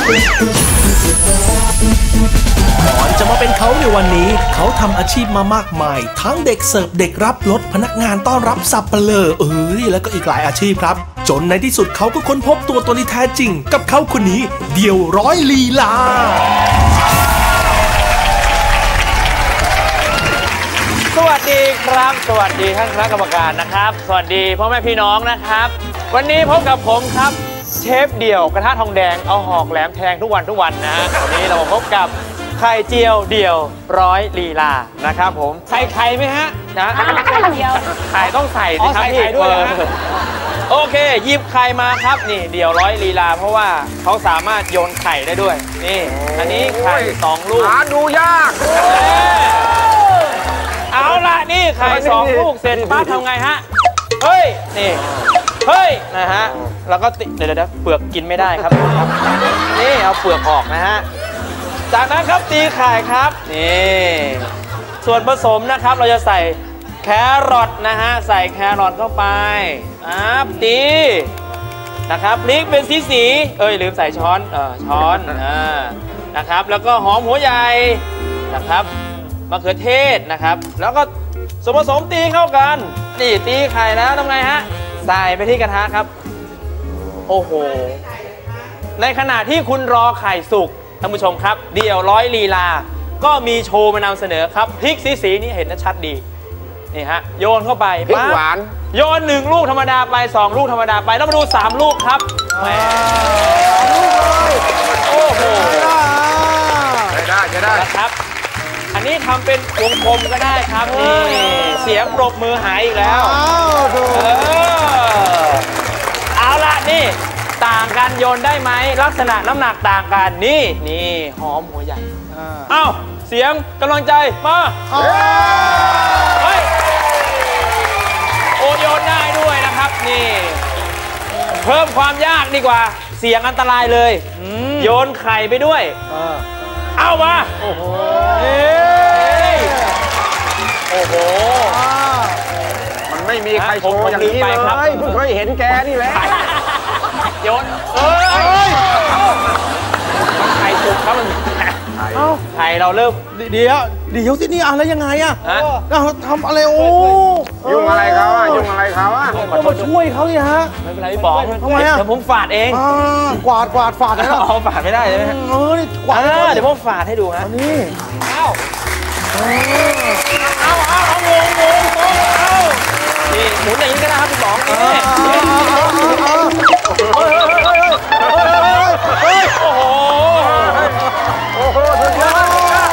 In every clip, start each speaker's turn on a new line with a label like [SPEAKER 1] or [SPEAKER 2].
[SPEAKER 1] ก่อนจะมาเป็นเขาในวันนี้เขาทำอาชีพมามากมายทั้งเด็กเสิร์ฟเด็กรับรถพนักงานต้อนรับสับเปลือแล้วก็อีกหลายอาชีพครับจนในที่สุดเขาก็ค้นพบตัวตนที่แท้จริงกับเขาคนนี้เดี่ยวร้อยลีลา
[SPEAKER 2] สวัสดีครับสวัสดีท่านคณะกรรมการนะครับสวัสดีพ่อแม่พี่น้องนะครับวันนี้พบกับผมครับเชฟเดี่ยวกระทะทองแดงเอาหอกแหลมแทงทุกวันนะฮะวันนี้เราพบกับไข่เจียวเดี่ยวร้อยลีลานะครับผมใส่ไข่ไหมฮะนะไข่เจียวไข่ต้องใส่สิครับพี่ด้วยโอเคหยิบไข่มาครับนี่เดี่ยวร้อยลีลาเพราะว่าเขาสามารถโยนไข่ได้ด้วยนี่อันนี้ไข่2 ลูก
[SPEAKER 3] หาดูยาก
[SPEAKER 2] เอาละนี่ไข่2 ลูกเสร็จป้าทำไงฮะเฮ้ยนี่เฮ้ยนะฮะแล้วก็เดี๋ยวเปลือกกินไม่ได้ครับนี่เอาเปลือกออกนะฮะจากนั้นครับตีไข่ครับนี่ส่วนผสมนะครับเราจะใส่แครอทนะฮะใส่แครอทเข้าไปตีนะครับพริกเป็นสีลืมใส่ช้อนนะครับแล้วก็หอมหัวใหญ่นะครับมะเขือเทศนะครับแล้วก็ส่วนผสมตีเข้ากันนี่ตีไข่แล้วทำไงฮะใส่ไปที่กระทะครับโอ้โหในขณะที่คุณรอไข่สุกท่านผู้ชมครับเดี่ยวร้อยลีลาก็มีโชว์มานำเสนอครับพริกสีนี่เห็นชัดดีนี่ฮะโยนเข้าไป
[SPEAKER 3] พริกหวาน
[SPEAKER 2] โยน1 ลูกธรรมดาไป2 ลูกธรรมดาไปแล้วมาดู3 ลูกครับโอ้โห
[SPEAKER 3] จะได้
[SPEAKER 2] ครับอันนี้ทำเป็นวงกลมก็ได้ครับนี่เสียงปรบมือหายอีกแล้วเอาละนี่ต่างกันโยนได้ไหมลักษณะน้ำหนักต่างกันนี่หอมหัวใหญ่เอ้าเสียงกำลังใจมาเฮ้ยโยนได้ด้วยนะครับนี่เพิ่มความยากดีกว่าเสียงอันตรายเลยโยนไข่ไปด้วยเอามาโอ้โห
[SPEAKER 3] มันไม่มีใครโชว์อย่างนี้เลยเพิ่งเคยเห็นแกนี่แหละ
[SPEAKER 2] โยนไข่สุกครับมันไข่เราเริ่ม
[SPEAKER 1] เดี๋ยวสินี่อะไรยังไงอะเราทำอะไร
[SPEAKER 3] ยุ่งอะไรเขา
[SPEAKER 1] ก็มาช่วยเขาสิฮะ
[SPEAKER 2] ไม่เป็นไรพี่ป๋องทำไมเดี๋ยวผมฝาดเอง
[SPEAKER 1] กวาดฝาดนะ
[SPEAKER 2] เอาฝาดไม่ได้ใช่ไหม
[SPEAKER 1] นี่กวาด
[SPEAKER 2] เดี๋ยวผมฝาดให้ดูฮะ
[SPEAKER 1] นี่
[SPEAKER 2] เอานี่หมุนอย่างนี้ก็ได้ครับพี่ป๋อง
[SPEAKER 3] โอ้โหสุดยอด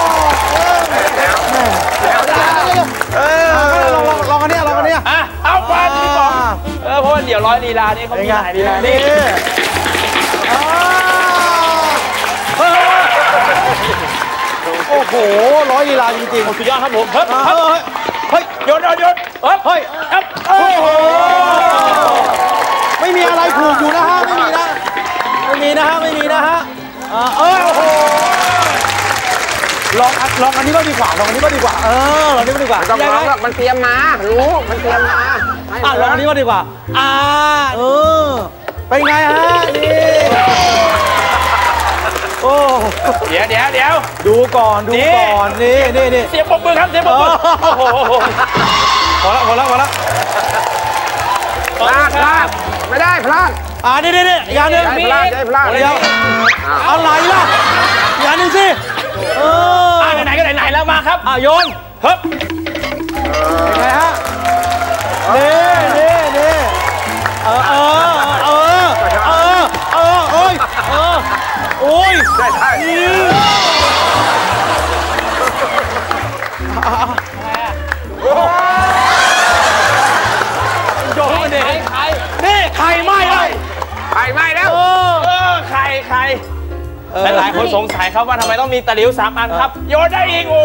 [SPEAKER 1] ลองกันเนี่ย
[SPEAKER 2] เอาไปพี่ป๋องเพราะว่าเดี๋ยวร้อยลีลานี่เขามีหลายลีลานี่
[SPEAKER 1] โอ้โหร้อยลีลาจริงๆ
[SPEAKER 2] สุดยอดครับผมเฮ้ยโยนเฮ้ยโอ้โห
[SPEAKER 1] ไม่มีอะไรถูกอยู่นะฮะไม่มีนะโอ้โหลองอันนี้ก็ดีกว่าลองอันนี้ก็ดีกว่า
[SPEAKER 3] ต้องลองมันเตรียมมารู้มันเตรียมมา
[SPEAKER 1] ลองอันนี้ก็ดีกว่าเป็นไงฮะนี่โอ้
[SPEAKER 2] เดี๋ยว
[SPEAKER 1] ดูก่อนนี่
[SPEAKER 2] เสียงปรบมือครับเสียงปรบมือโอ้โห
[SPEAKER 3] พอแล้วพลาดไม่ได้พลาด
[SPEAKER 1] นี่อย่างนึง
[SPEAKER 3] พลาด
[SPEAKER 1] เดี๋ยวอะไรล่ะอย่างนึงสิ
[SPEAKER 2] ไหนก็ไหนแล้วมาครับ
[SPEAKER 1] โยน
[SPEAKER 2] เฮ้ย
[SPEAKER 1] เป็นไงฮะนี่โอ้ย
[SPEAKER 3] ได้
[SPEAKER 2] โยนมันเอง
[SPEAKER 1] นี่ไข่ไหม้เลย
[SPEAKER 3] ไข่ไหม้แล้ว
[SPEAKER 2] ไข่หลายคนสงสัยครับว่าทำไมต้องมีตะหลิว3 อันครับโยนได้อีกโอ้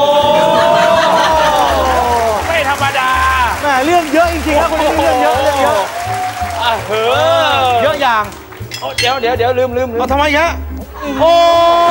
[SPEAKER 2] ไม่ธรรมดา
[SPEAKER 1] แหมเรื่องเยอะจริงๆครับคุณเรื่องเยอะเยอะอย่าง
[SPEAKER 2] เดี๋ยวลืม
[SPEAKER 1] ทำไมฮะ
[SPEAKER 2] โอ้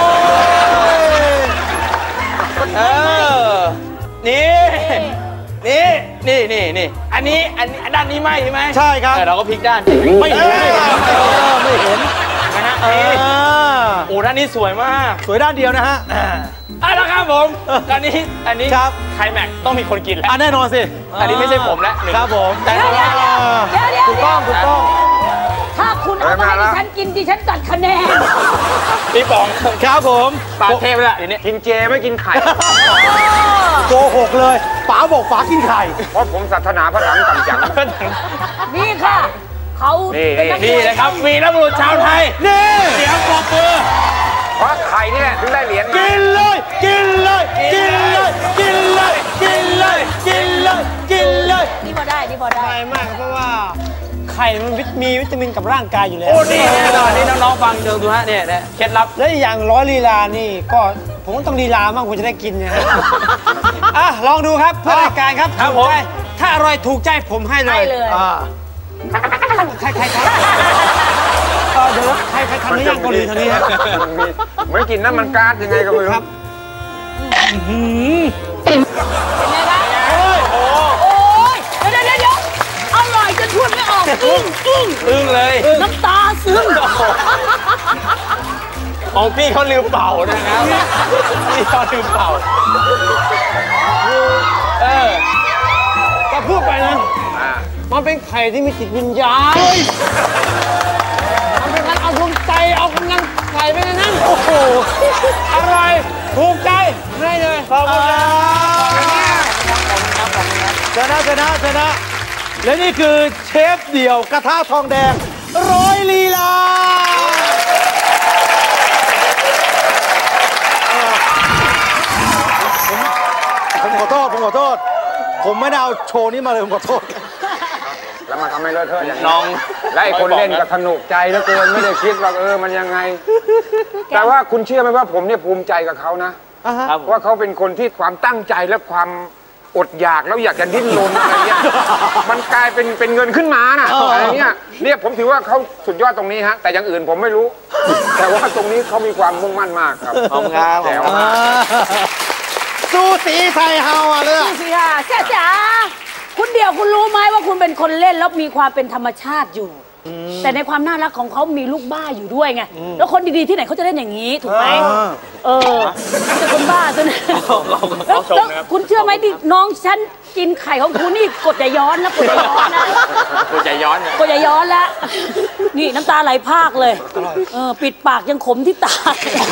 [SPEAKER 2] นี่อันนี้ด้านนี้ไหมใช่ไหม
[SPEAKER 1] ใช่ครับ
[SPEAKER 2] เราก็พลิกด้าน
[SPEAKER 1] ไม่เห็นนะฮะ
[SPEAKER 2] โอ้ด้านนี้สวยมาก
[SPEAKER 4] สวยด้านเดียวนะฮะ
[SPEAKER 2] แล้วครับผมอันนี้
[SPEAKER 4] ครับ
[SPEAKER 2] ไคลแม็กซ์ต้องมีคนกินแล้ว
[SPEAKER 4] แน่นอนสิ
[SPEAKER 2] อันนี้ไม่ใช่ผมแล้ว
[SPEAKER 4] ครับผมแต่
[SPEAKER 5] เดี๋ยว
[SPEAKER 4] ถูกต้อง
[SPEAKER 5] ถ้าคุณเอามาให้ดิฉันกินดิฉันตัดคะแนน
[SPEAKER 2] พี่ป๋อง
[SPEAKER 4] ครับผม
[SPEAKER 2] ปลาเทพแล้วเดี๋ยวนี้
[SPEAKER 3] กินเจไม่กินไข่
[SPEAKER 4] โกหกเลยป๋าบอกป๋ากินไข่
[SPEAKER 3] เพราะผมศาสนาพระหลังต่ำจัง
[SPEAKER 5] นี่ค่ะเขาเป็นนักมวย
[SPEAKER 2] นี่นะครับวีรบุรุษชาวไทย
[SPEAKER 4] นี่
[SPEAKER 2] เสียงปรบมือ
[SPEAKER 3] เพราะไข่นี่แหละถึงได้เหรียญ
[SPEAKER 4] กินเลยกินเลยกินเลยกินเลยกินเลยกินเลยกินเลย
[SPEAKER 5] นี่พอได้นี่พอได้
[SPEAKER 6] ง่ายมากเพราะว่าไข่มันมีวิตามินกับร่างกายอยู่แล้ว
[SPEAKER 2] โอ้นี่แน่นอนนี่น้องๆฟังดูฮะเนี่ยเคล็ดลับ
[SPEAKER 6] และอีกอย่างร้อยลีลานี่ก็ผมต้องลีลาบ้างผมจะได้กินนะฮะ อ่ะลองดูครับเพื่อรายการครับ
[SPEAKER 2] ครับ
[SPEAKER 6] ถูกใจถ้าอร่อยถูกใจผมให้เล
[SPEAKER 5] ให้
[SPEAKER 6] ย
[SPEAKER 5] เลย
[SPEAKER 6] ใครเดี๋ยวใครทำในย่างเกาหลีเท่านี้ฮะ
[SPEAKER 3] มันมีเหมือนกินน้ำมันก๊าซยังไงก็ไม่รู้
[SPEAKER 5] เป็นไงคะโอ้ยเดี๋ยวอร่อยจนพูดไม่ออกอึ้ง
[SPEAKER 2] เลย
[SPEAKER 5] น้ำตาซึม
[SPEAKER 2] ของพี่เขาลืมเป่านะครับพี่เขาลืมเป่า
[SPEAKER 6] ก็พูดไปนะ
[SPEAKER 3] อ่า
[SPEAKER 6] มันเป็นไข่ที่มีจิตวิญญาณมันเป็นการเอาดวงใจเอากำลังไข่ไปในนั้นโอ้โหอร่อยถูกใจให้เลยขอบคุณครับ
[SPEAKER 4] ชนะและนี่คือเชฟเดี่ยวกระทะทองแดงร้อยลีลาผมขอโทษผมไม่ได้เอาโชว์นี้มาเลยผมขอโทษ
[SPEAKER 3] แล้วมาทำให้เลอะเทอะอย่างนี้
[SPEAKER 2] น้อง
[SPEAKER 3] และไอ้คนเล่นก็สนุกใจเหลือเกินไม่ได้คิดว่ามันยังไง แต่ว่าคุณเชื่อไหมว่าผมเนี่ยภูมิใจกับเขานะ
[SPEAKER 2] ครับ
[SPEAKER 3] ว่าเขาเป็นคนที่ความตั้งใจและความอดอยากแล้วอยากจะดิ้นรนอะไรเงี้ย มันกลายเป็นเงินขึ้นมาน่ะอะไรเงี้ยเนี่ยผมถือว่าเขาสุดยอดตรงนี้ฮะแต่อย่างอื่นผมไม่รู้ แต่ว่าตรงนี้เขามีความมุ่งมั่นมากครับ
[SPEAKER 2] ขอบคุณครับ
[SPEAKER 3] แจ๋วมาก
[SPEAKER 4] สู้สีไทยเฮาเลย
[SPEAKER 5] ดูสิค่ะจ๋าคุณเดี่ยวคุณรู้ไหมว่าคุณเป็นคนเล่นแล้วมีความเป็นธรรมชาติอยู่ แต่ในความน่ารักของเขามีลูกบ้าอยู่ด้วยไงแล้วคนดีๆที่ไหนเขาจะเล่นอย่างนี้ถูกไหมแต่คนบ้าซะนะแล้วคุณเชื่อไหมที่น้องฉันกินไข่ของคุณนี่กดอย่าย้อนนะกดอย่าย้อนนะ
[SPEAKER 2] กูจะย้อน
[SPEAKER 5] กดอย่าย้อนแล้วนี่น้ำตาไหลพรากเลยปิดปากยังขมที่ตา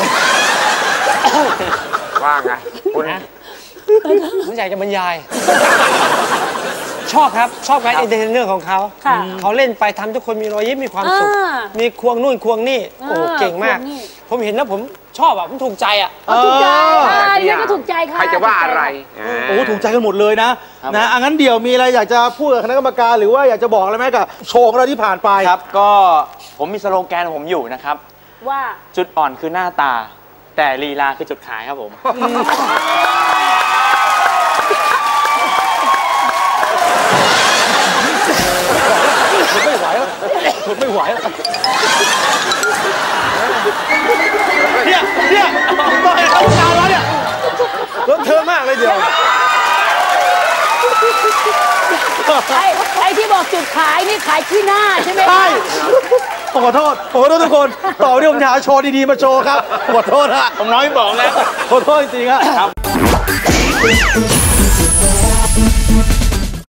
[SPEAKER 3] ว่าไงคุณ
[SPEAKER 6] ผมอยากจะบรรยาย ชอบครับชอบการเอนเตอร์เทนเนอร์ของเขาเขาเล่นไปทำทุกคนมีรอยยิ้มมีความสุขมีควงนู่นควงนี่โอ้เก่งมาก ผมเห็นแล้วผมชอบอ่ะผมถูกใจอ่ะ
[SPEAKER 5] ถูกใจดิฉันก็ถูกใจค่ะ
[SPEAKER 3] ใครจะว่าอะไร
[SPEAKER 4] โอ้ถูกใจกันหมดเลยนะงั้นเดี๋ยวมีอะไรอยากจะพูดกับคณะกรรมการหรือว่าอยากจะบอกอะไรไหมกับโชว์ของเราที่ผ่านไป
[SPEAKER 2] ครับก็ผมมีสโลแกนของผมอยู่นะครับ
[SPEAKER 5] ว่า
[SPEAKER 2] จุดอ่อนคือหน้าตา แต่ลีลาคือจุดขายครับผม
[SPEAKER 4] ไม่ไหวแล้วเนี่ยต้องให้เขาตามแล้วเนี่ยรถเธอมากเลยเดี๋ยว
[SPEAKER 5] ไอ้ที่บอกจุดขายนี่ขายที่หน้าใช่ไหม
[SPEAKER 4] ใช่ผมขอโทษทุกคนต่อไปนี้ผมจะหาโชว์ดีๆมาโชว์ครับขอโทษฮะ
[SPEAKER 2] ผมน้อยพี่ป๋องนะ
[SPEAKER 4] ขอโทษจริงๆฮะ